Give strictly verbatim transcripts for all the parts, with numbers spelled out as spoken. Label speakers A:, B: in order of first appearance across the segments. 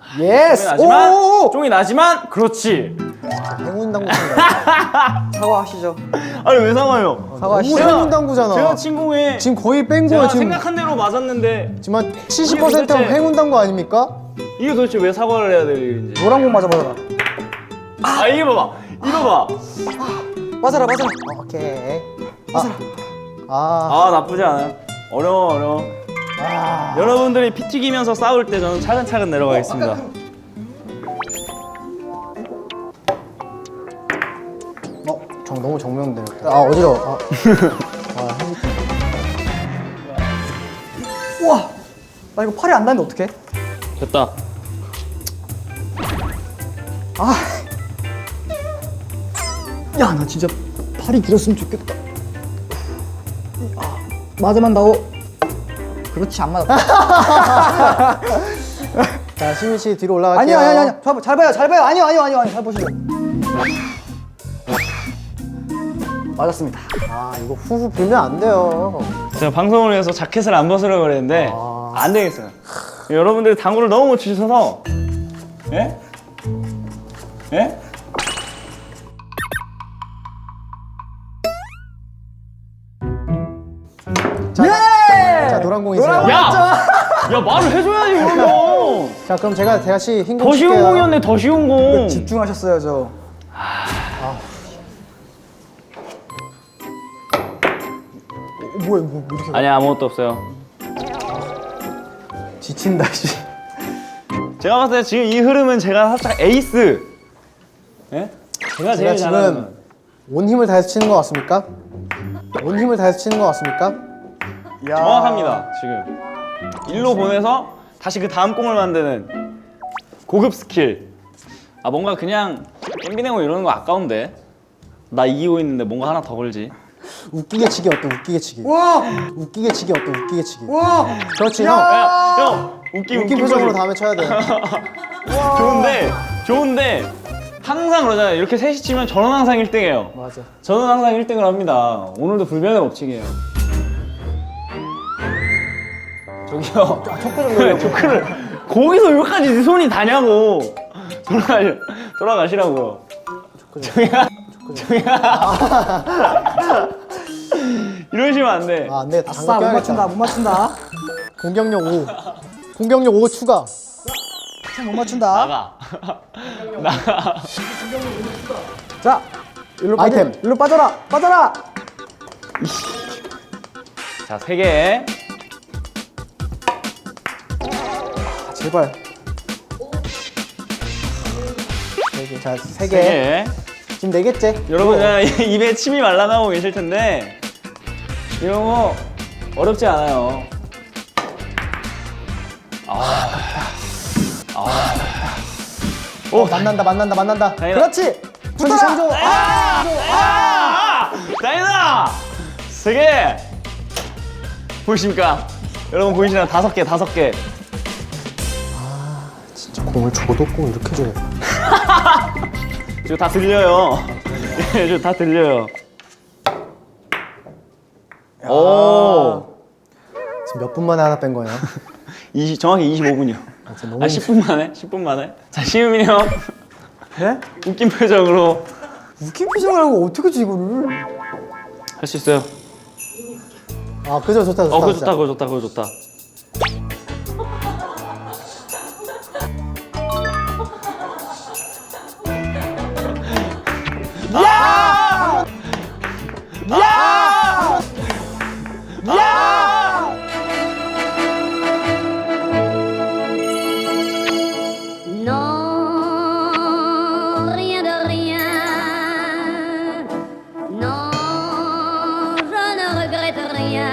A: 예스.
B: 쫑이 나지만
A: 오!
B: 쫑이 나지만 그렇지.
A: 행운당구
C: 사과하시죠.
B: 아니 왜 사과해요?
A: 사과하시죠. 너무 행운당구잖아.
B: 제가 친공에
A: 지금 거의 뺀 거야
B: 제가
A: 지금.
B: 생각한 대로 맞았는데
A: 지금 한 칠십 퍼센트
B: 도대체-
A: 행운당구 아닙니까?
B: 이게 도대체 왜 사과를 해야 될 일인지.
C: 노란 공 맞아봐라.
B: 아 이거 봐봐. 이거 봐.
C: 맞아라 맞아라.
A: 오케이. 아, 아,
B: 아 나쁘지 않아요. 어려워 어려워.
A: 아.
B: 여러분들이 피 튀기면서 싸울 때 저는 차근차근 내려가겠습니다.
A: 어, 정 너무 정면되네. 아 어지러워. 아, 아 핸드폰.
C: 우와. 나 이거 팔이 안 닿는데 어떡해?
B: 됐다.
C: 아. 야, 나 진짜 팔이 길었으면 좋겠다. 아, 맞아만 나오. 그렇지, 안 맞았다.
A: 자 시민 씨 뒤로 올라갈게요.
C: 아니요, 아니요, 아니요. 잘, 봐, 잘 봐요, 잘 봐요. 아니요, 아니요, 아니요, 아니요. 잘 보시죠. 맞았습니다.
A: 아 이거 후후 불면 안 돼요.
B: 제가 방송을 위해서 자켓을 안 벗으려고 그랬는데
A: 아.
B: 안 되겠어요. 여러분들이 당구를 너무 못 치셔서 예? 예?
A: 자,
C: 예!
A: 자 노란 공이세요.
C: 노란 공!
B: 야! 야 말을 해줘야지 그러면.
A: 자 그럼 제가 다시 흰 공
B: 더 쉬운
A: 칠게요.
B: 공이었네 더 쉬운 공.
C: 집중하셨어요, 저.
A: 어, 뭐야 뭐 이렇게
B: 아니 아무것도 없어요.
A: 지친다 씨.
B: 제가 봤을 때 지금 이 흐름은 제가 살짝 에이스. 예? 제가 제일
A: 제가
B: 잘하는.
A: 지금 온 힘을 다해서 치는 것 같습니까? 온 힘을 다해서 치는 것 같습니까?
C: 야.
B: 정확합니다 지금. 일로 보내서 다시 그 다음 공을 만드는 고급 스킬. 아 뭔가 그냥 엠비네고 이러는 거 아까운데. 나 이기고 있는데 뭔가 하나 더 걸지.
A: 웃기게 치기 어때? 웃기게 치기.
C: 와!
A: 웃기게 치기 어때? 웃기게 치기.
C: 와!
A: 그렇지
C: 야!
A: 형.
B: 야, 형 웃기
A: 웃긴
B: 웃긴
A: 표정으로
B: 표정.
A: 다음에 쳐야 돼.
B: 좋은데 좋은데 항상 그러잖아요. 이렇게 셋이 치면 저는 항상 일 등이에요.
A: 맞아.
B: 저는 항상 일 등을 합니다. 오늘도 불변의 법칙이에요. 저기요.
C: 초크 좀
B: 조크를 거기서 여기까지 네 손이 다냐고. 돌아가 돌아가시라고요. 저기야. 저기야. 이러시면 안 돼.
A: 아, 안 돼.
C: 아싸,
A: 장갑
C: 못 맞춘다,
A: 껴야겠다.
C: 못 맞춘다.
A: 공격력 오. 공격력 오 추가.
C: 참 못 맞춘다.
B: 나가. 나가.
C: 자, 일로
A: 아이템.
C: 빠져, 일로 빠져라, 빠져라.
B: 자, 세 개.
A: 아, 제발. 세 개. 자, 세
B: 세
A: 개.
B: 개.
A: 지금 네 개째.
B: 여러분 그냥 입에 침이 말라나오고 계실 텐데 이런 거 어렵지 않아요. 아, 아,
A: 오, 만난다, 만난다, 만난다.
B: 다행이다.
C: 그렇지.
A: 천지
C: 붙어라.
A: 창조.
B: 아, 아, 다행이다. 세 개. 보이십니까? 여러분 보이시나요? 다섯 개, 다섯 개.
A: 진짜 공을 줘도 꼭 이렇게 줘야 돼.
B: 지금 다 들려요. 예, 지금 다 들려요. 오,
A: 지금 몇 분 만에 하나 뺀 거예요?
B: 이십, 정확히 이십오 분이요.
A: 아, 진짜 너무
B: 아, 십 분 만에? 십 분 만에? 자, 시우민이 형.
C: 네?
B: 웃긴 표정으로
C: 웃긴 표정을 하고 어떻게 지 이거를?
B: 할 수 있어요.
A: 아, 그죠, 좋다, 좋다.
B: 어, 그거
A: 진짜.
B: 좋다, 그거 좋다, 그거 좋다. 야! 야! 야!
D: Non, rien de rien. Non, je ne regrette rien.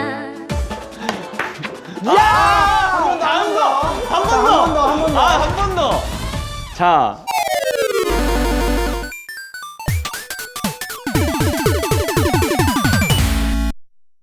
B: 야! 한 번 더! 한 번 더! 한 번 더! 아, 한 번 더! 자,